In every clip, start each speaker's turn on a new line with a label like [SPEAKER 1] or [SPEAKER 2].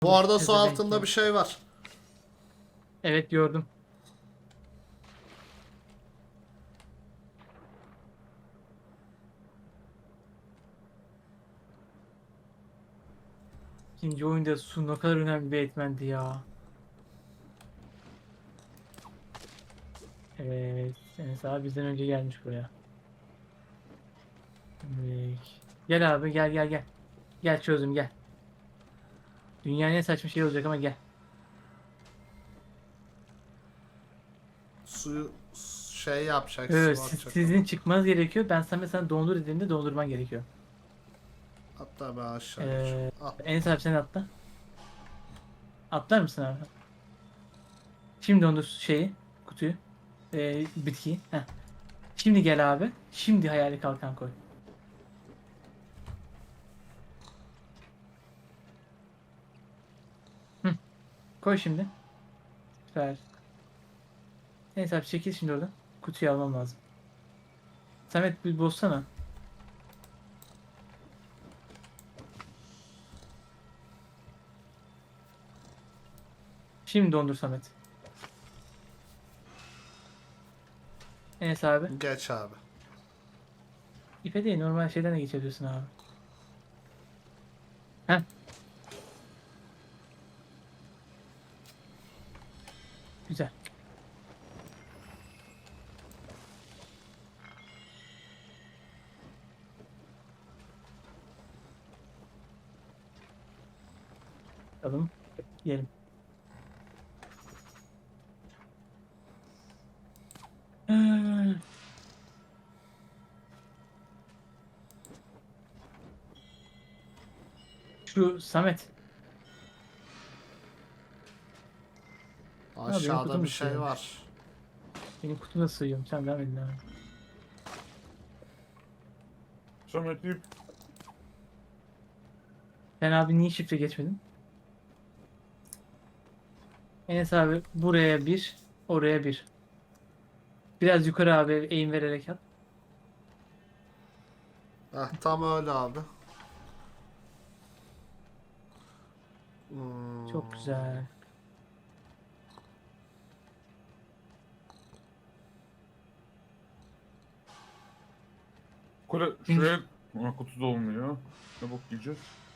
[SPEAKER 1] Bu arada su
[SPEAKER 2] Pezevenk
[SPEAKER 1] altında
[SPEAKER 2] ya.
[SPEAKER 1] bir şey var.
[SPEAKER 2] Evet gördüm. İkinci oyunda su ne kadar önemli bir etmendi ya. Evet. Enes abi bizden önce gelmiş buraya. Evet. Gel abi gel. Gel çözdüm gel. Dünyanın en saçma şey olacak ama gel.
[SPEAKER 1] Suyu şey yapacak,
[SPEAKER 2] Evet,
[SPEAKER 1] su atacak
[SPEAKER 2] sizin
[SPEAKER 1] ona.
[SPEAKER 2] çıkmanız gerekiyor. Ben sana mesela dondur dediğimde dondurman gerekiyor.
[SPEAKER 1] Hatta ben aşağı geçiyorum. Al.
[SPEAKER 2] Enes abi sen atla. Atlar mısın abi? Şimdi dondur şeyi, kutuyu, bitkiyi. Heh. Şimdi gel abi. Şimdi hayali kalkan koy. Hı. Koy şimdi. Süper. Neyse abi çekil şimdi oradan. Kutuyu almam lazım. Samet bir bozsana. Şimdi dondur Samet. Enes abi.
[SPEAKER 1] Geç abi.
[SPEAKER 2] İpe değil normal şeyden de geçebiliyorsun abi. Heh güzel. Alalım. Yiyelim. Hmm. Şu Samet. Ha benim
[SPEAKER 1] Aşağıda
[SPEAKER 2] kutum
[SPEAKER 1] bir
[SPEAKER 2] da
[SPEAKER 1] şey
[SPEAKER 2] sığıyormuş.
[SPEAKER 1] var.
[SPEAKER 2] Benim kutum da sığıyorum. Sen devam edin abi.
[SPEAKER 3] Samet ip.
[SPEAKER 2] Sen abi niye şifre geçmedin? Enes abi buraya bir, oraya bir. Biraz yukarı abi eğim vererek at.
[SPEAKER 1] Heh, tam öyle abi. Hmm.
[SPEAKER 2] Çok güzel.
[SPEAKER 3] Kule
[SPEAKER 2] Şimdi
[SPEAKER 3] şuraya kutu da olmuyor. Ne bok yiyeceğiz?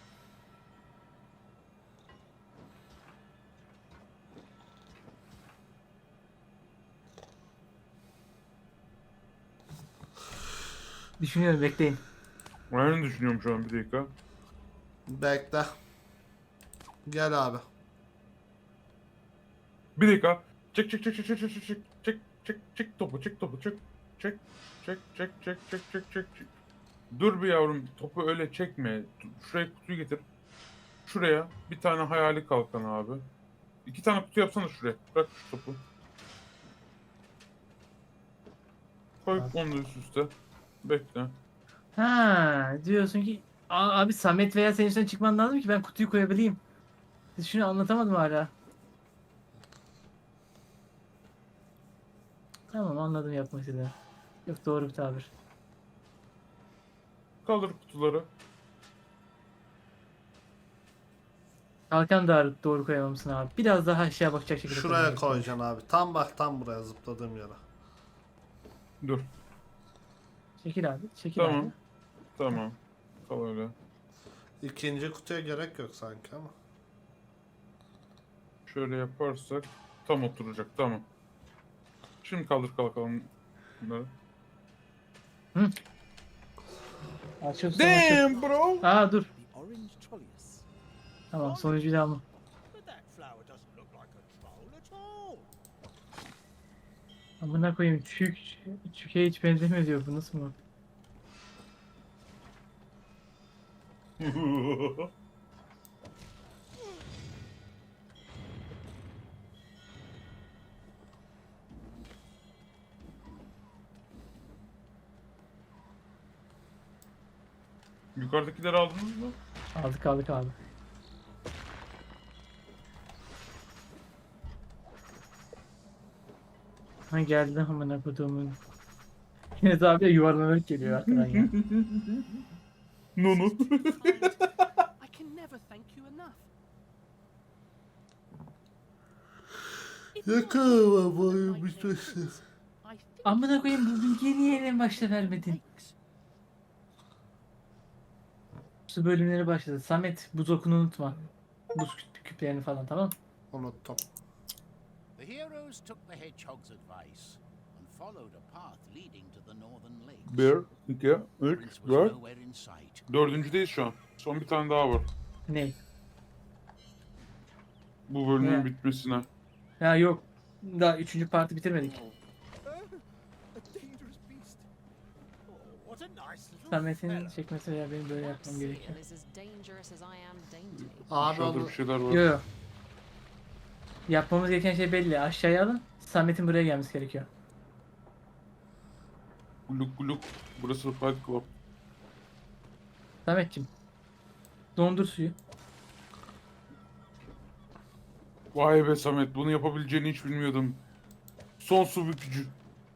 [SPEAKER 2] düşünüyorum bekleyin.
[SPEAKER 3] Ben ne düşünüyorum şu an bir dakika.
[SPEAKER 1] Bekle. Gel abi.
[SPEAKER 3] Bir dakika. Çek topu çek topu çek. Dur bir yavrum topu öyle çekme. Şuraya kutuyu getir. Şuraya bir tane hayali kalkan abi. İki tane kutu yapsana şuraya. Bırak şu topu. Koy
[SPEAKER 2] Abi.
[SPEAKER 3] onu da üst üste. Bekle.
[SPEAKER 2] Ha diyorsun ki abi Samet veya senin üstüne çıkman lazım ki ben kutuyu koyabileyim. Siz şunu anlatamadım hala. Tamam anladım yapmak istediğini. Yok doğru bir tabir.
[SPEAKER 3] Kaldır kutuları.
[SPEAKER 2] Kalkan da doğru koyamamışsın abi. Biraz daha aşağı bakacak şekilde koyman
[SPEAKER 1] Şuraya
[SPEAKER 2] gerekiyormuş.
[SPEAKER 1] koyacaksın abi. Tam bak tam buraya zıpladığım yere.
[SPEAKER 3] Dur.
[SPEAKER 2] Çekil abi. Çekil abi.
[SPEAKER 3] Tamam. Tamam. Kal öyle.
[SPEAKER 1] İkinci kutuya gerek yok sanki ama.
[SPEAKER 3] Şöyle yaparsak tam oturacak. Tamam. Şimdi kaldır kalkalım bunları.
[SPEAKER 2] Hı. Açıl son açıl.
[SPEAKER 3] Damn bro.
[SPEAKER 2] Aa dur.
[SPEAKER 4] The orange trolleus.
[SPEAKER 2] Tamam sonuncuyu da alma.
[SPEAKER 4] But that flower doesn't look like a troll at all.
[SPEAKER 2] Amına koyayım çüke hiç benzemiyor diyor bu nasıl mı?
[SPEAKER 3] Yukarıdakileri aldınız mı?
[SPEAKER 2] Aldık abi. Ha geldi amına koyduğumun. Yine de abi yuvarlanarak geliyor arkadan ya.
[SPEAKER 3] Nunu.
[SPEAKER 4] I can never thank you enough.
[SPEAKER 1] Yakın boyu bitmesin.
[SPEAKER 2] Amına koyayım bu bilgiyi niye en başta vermedin? Su bölümleri başladı. Samet buz okunu unutma. Buz küplerini falan, tamam.
[SPEAKER 1] Unuttum.
[SPEAKER 4] The heroes took the hedgehog's advice and followed a path leading to the northern lakes.
[SPEAKER 3] 1, 2, 3,
[SPEAKER 4] Prince was
[SPEAKER 3] 4.
[SPEAKER 4] nowhere in sight.
[SPEAKER 3] Dördüncüdeyiz şu an. Son bir tane daha var.
[SPEAKER 2] Ne?
[SPEAKER 3] Bu bölümün
[SPEAKER 2] Ne?
[SPEAKER 3] bitmesine.
[SPEAKER 2] Ya yok. Daha 3. parti bitirmedik.
[SPEAKER 4] A dangerous beast. Oh, what a nice little
[SPEAKER 2] Samet'in
[SPEAKER 4] fella.
[SPEAKER 2] çekmesi veya benim böyle yapmam gerekiyor.
[SPEAKER 5] is as dangerous as I am dainty.
[SPEAKER 1] Abi
[SPEAKER 3] Aşağıda
[SPEAKER 1] onu
[SPEAKER 3] bir şeyler var.
[SPEAKER 2] Yo yo. Yapmamız gereken şey belli. Aşağıya alın. Samet'in buraya gelmesi gerekiyor.
[SPEAKER 3] Gluk gluk. Burası Fight Club.
[SPEAKER 2] Samet'cim. Dondur suyu.
[SPEAKER 3] Vay be Samet, bunu yapabileceğini hiç bilmiyordum. Son su bükücü.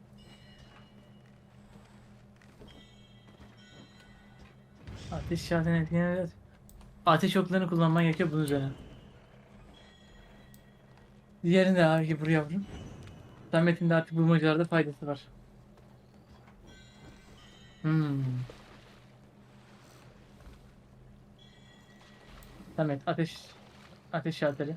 [SPEAKER 2] Ateş şartını etkileyen ateş oklarını kullanman gerekiyor bunun üzerine. Diğerini de abi buraya yavrum. Samet'in de artık bulmacalarda faydası var. Samet ateş şalteri.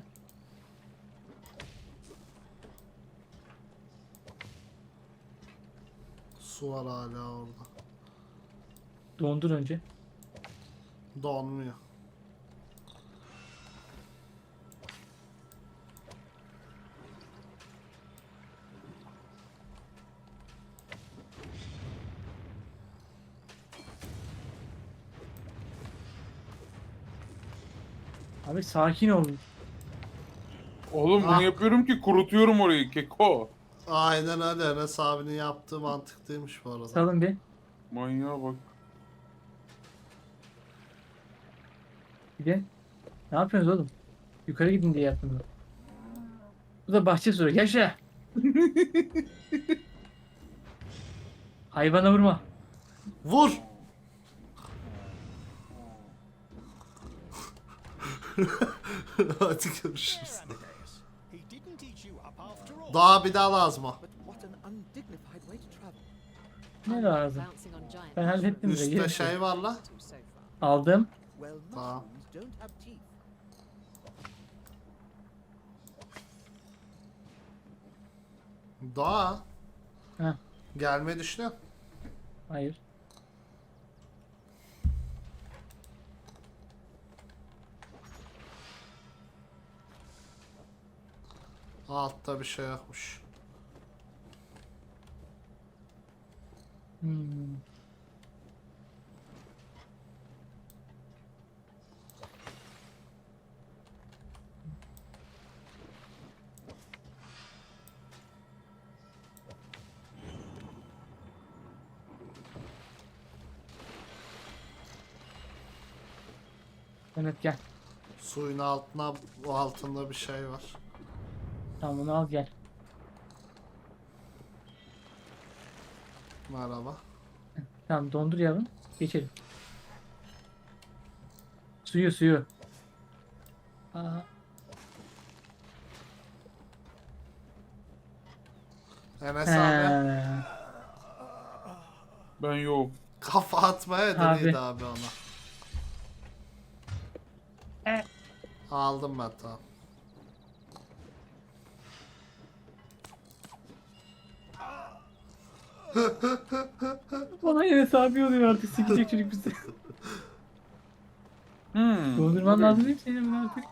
[SPEAKER 1] su var hala orada.
[SPEAKER 2] Dondur önce.
[SPEAKER 1] Donmuyor.
[SPEAKER 2] Abi sakin ol.
[SPEAKER 3] Oğlum bunu
[SPEAKER 1] Ah.
[SPEAKER 3] yapıyorum ki kurutuyorum orayı keko.
[SPEAKER 1] Aynen öyle. Enes abinin yaptığı mantıklıymış bu arada.
[SPEAKER 2] Salın bir.
[SPEAKER 3] Manyağa bak.
[SPEAKER 2] Gidin. Ne yapıyorsunuz oğlum? Yukarı gidin diye yaptım bunu. Bu da bahçe soru. Yaşa. Hayvana vurma.
[SPEAKER 1] Vur! Hadi görüşürüz.
[SPEAKER 4] There, Amadeus. He didn't teach you up after all.
[SPEAKER 1] Daha bir daha lazım o.
[SPEAKER 6] But what an undignified way to travel.
[SPEAKER 2] Ne lazım?
[SPEAKER 5] Bouncing on giant
[SPEAKER 2] Ben hallettim de.
[SPEAKER 1] Üstte
[SPEAKER 2] yerim.
[SPEAKER 1] şey var la.
[SPEAKER 5] mushrooms so far.
[SPEAKER 2] Aldım.
[SPEAKER 6] Well,
[SPEAKER 1] Ah.
[SPEAKER 6] mushrooms don't have teeth.
[SPEAKER 1] Daha.
[SPEAKER 2] Heh.
[SPEAKER 1] Gelmeyi düşünüyor.
[SPEAKER 2] Hayır.
[SPEAKER 1] Altta bir şey yokmuş.
[SPEAKER 2] Hmm. Mehmet gel.
[SPEAKER 1] Suyun altına, bu altında bir şey var.
[SPEAKER 2] Tamam bunu al gel.
[SPEAKER 1] Merhaba.
[SPEAKER 2] Tamam dondur yavrum. Geçelim. Suyu. Aa,
[SPEAKER 1] Enes abi
[SPEAKER 2] he.
[SPEAKER 3] Ben yok.
[SPEAKER 1] kafa atmaya
[SPEAKER 2] Abi.
[SPEAKER 1] deniydi abi ona.
[SPEAKER 2] E.
[SPEAKER 1] Aldım ben tamam.
[SPEAKER 2] Bana yine sabi oluyor artık sikecek çocuk bizi. Dondurman
[SPEAKER 3] Okey.
[SPEAKER 2] lazım değil mi senin bunu artık?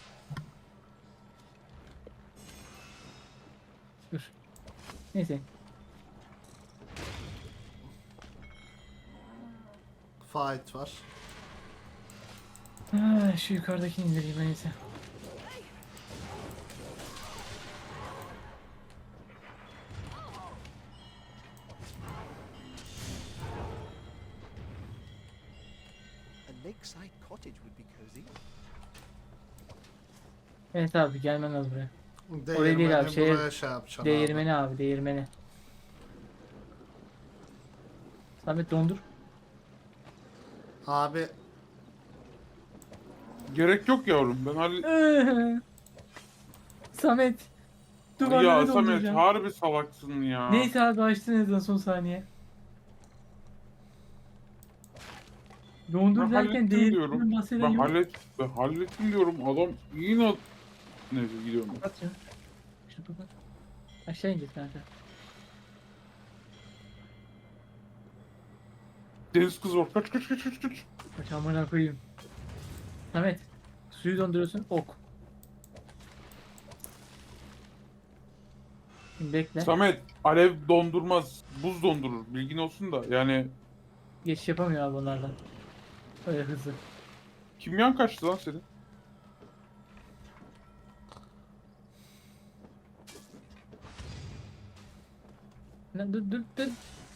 [SPEAKER 2] Dur. Neyse.
[SPEAKER 1] Fight var.
[SPEAKER 2] Şu yukarıdakini indireyim ben neyse.
[SPEAKER 6] A lakeside cottage would be cozy.
[SPEAKER 2] Evet abi gelmen lazım buraya.
[SPEAKER 1] Değirmeni
[SPEAKER 2] değil abi, şey-
[SPEAKER 1] buraya şey yapacaksın
[SPEAKER 2] Değirmeni abi değirmeni. Samet dondur.
[SPEAKER 1] Abi
[SPEAKER 3] Gerek yok yavrum. Ben
[SPEAKER 2] Samet. Duvarları
[SPEAKER 3] Ya Samet
[SPEAKER 2] donduracağım.
[SPEAKER 3] harbi salaksın ya.
[SPEAKER 2] Neyse abi açtın en azından son saniye. Dondur
[SPEAKER 3] Ben
[SPEAKER 2] derken
[SPEAKER 3] hallettim
[SPEAKER 2] değerinden
[SPEAKER 3] diyorum.
[SPEAKER 2] bahseden
[SPEAKER 3] Ben
[SPEAKER 2] yok.
[SPEAKER 3] hallettim diyorum. Adam yine... Neyse gidiyorum.
[SPEAKER 2] Kapat şunu. Şunu kapat. Aşağı ineceğiz kanka.
[SPEAKER 3] Deniz kızı var. Kaç.
[SPEAKER 2] Kaç amına koyayım. Samet. Suyu donduruyorsun ok. Şimdi bekle.
[SPEAKER 3] Samet alev dondurmaz. Buz dondurur. Bilgin olsun da. Yani
[SPEAKER 2] Geçiş yapamıyor abi onlardan. Öyle hızlı.
[SPEAKER 3] kimyan kaçtı lan senin?
[SPEAKER 2] Lan dur.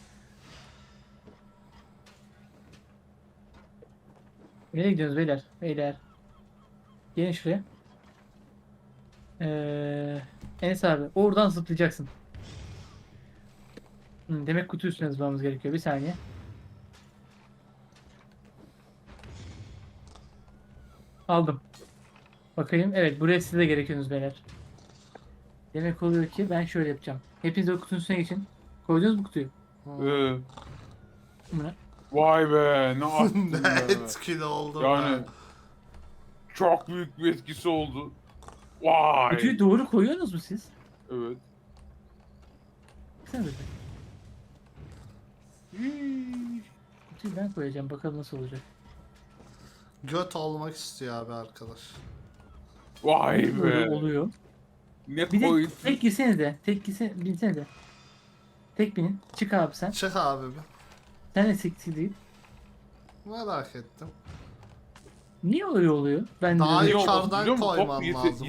[SPEAKER 2] Nereye gidiyoruz beyler? Beyler. Gelin şuraya. Enes abi oradan zıplayacaksın. Demek kutu üstüne zıplamamız gerekiyor. Bir saniye. Aldım. Bakayım. Evet buraya siz de gerekiyorsunuz beyler. Demek oluyor ki ben şöyle yapacağım. Hepiniz o kutunun üstüne geçin. Koydunuz mu kutuyu? Buna.
[SPEAKER 3] Vay be ne attın
[SPEAKER 1] Ne
[SPEAKER 3] be.
[SPEAKER 1] etkili oldu
[SPEAKER 3] Yani
[SPEAKER 1] be.
[SPEAKER 3] çok büyük bir etkisi oldu. Vay.
[SPEAKER 2] Kutuyu doğru koyuyorsunuz mu siz?
[SPEAKER 3] Evet.
[SPEAKER 2] Sen de. Kutuyu ben koyacağım. Bakalım nasıl olacak.
[SPEAKER 1] Göt olmak istiyor abi arkadaş.
[SPEAKER 3] Vay
[SPEAKER 2] Böyle
[SPEAKER 3] be.
[SPEAKER 2] oluyor.
[SPEAKER 3] Ne
[SPEAKER 2] Bir de
[SPEAKER 3] koydun?
[SPEAKER 2] tek girsene de. Binsene de. Tek binin. Çık abi sen.
[SPEAKER 1] Çık abi bir.
[SPEAKER 2] Sen de siktir değil.
[SPEAKER 1] Merak ettim.
[SPEAKER 2] Niye öyle oluyor? Ben de
[SPEAKER 1] Daha
[SPEAKER 2] öyle-
[SPEAKER 3] iyi olması
[SPEAKER 1] yukarıdan
[SPEAKER 3] biliyor musun?
[SPEAKER 1] koyman
[SPEAKER 3] Top
[SPEAKER 1] lazım.